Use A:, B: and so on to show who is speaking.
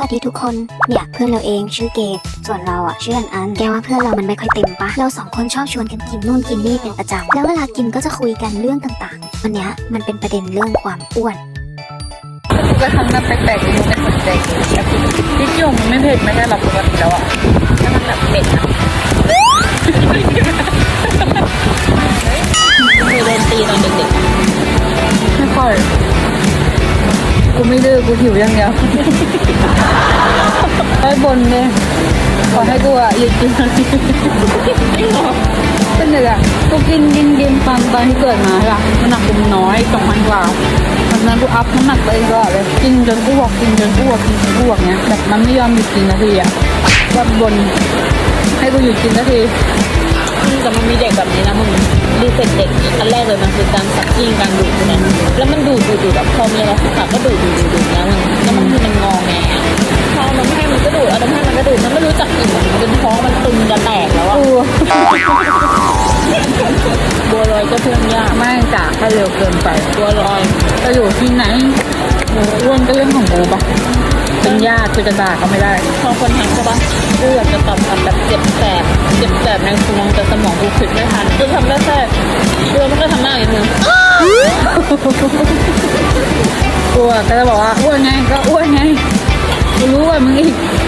A: วัสดีทุกคนเนี่ยเพื่อนเราเองชื่อเกดส่วนเราอ่ะชื่ออันแกว่าเพื่อนเรามันไม่ค่อยเต็มปะเราสองคนชอบชวนกันกินนู่นกินนี่เป็นประจำแล้วเวลากินก็จะคุยกันเรื่องต่างๆวันเนี้ยมันเป็นประเด็นเรื่องความอ้วน
B: กูก็ทำหน้าแปลกๆกูไม่สนใจกูที่จุ่มไม่เผ็ดไม่ได้หรอกปกติแล้วอ่ะถ้ามันแบบเผ็ดนะเคยโดนตีตอนเด็กๆไม่ค่อยกูไม่ดื้อกูหิวอย่างเดียวไอ้บนเนี่ยขอให้กูอ่ะหยุดกินเป็นไงอ่ะกูกินตอนที่เกิดมาใช่ป่ะน้ำหนักกูน้อย2,000 กว่าวันนั้นกูอัพน้ำหนักตัวเองก็เลยกินจนอ้วกเนี้ยแบบมันไม่ยอมหยุดกินนาทีอ่ะแบบบนให้กูหยุดกินนาทีแต่มันมีเด็กแบบนี้นะมึงรีเซ็ตเด็กอันแรกเลยมันคือการสักกิ้งการดูดนะแล้วมันดูดแบบพอมีอะไรสักก็ดูดนะมึงแล้วมันคือมันงอแงพอมันไม่ให้มันก็ดูดเอามันให้มันก็ดูดมันไม่รู้จักอิ่มมันจนท้องมันตึงจะแตกแล้วอ่ะบัวลอยก็เพิ่มยากไม่จ่าถ้าเร็วเกินไปบัวลอยจะอยู่ที่ไหนอ้วนก็เรื่องของกูปะเป็นญาติคือจะด่าก็ไม่ได้พอคนทักใช่ปะกูอยากจะตอบคำแบบเจ็บแสบในสมองแต่สมองกูคิดไม่ทันกูทำได้แค่กูมันก็ทำหน้าอย่างนึงกูก็จะบอกว่าอ้วนไงก็อ้วนไงกูรู้ว่ามึงอีก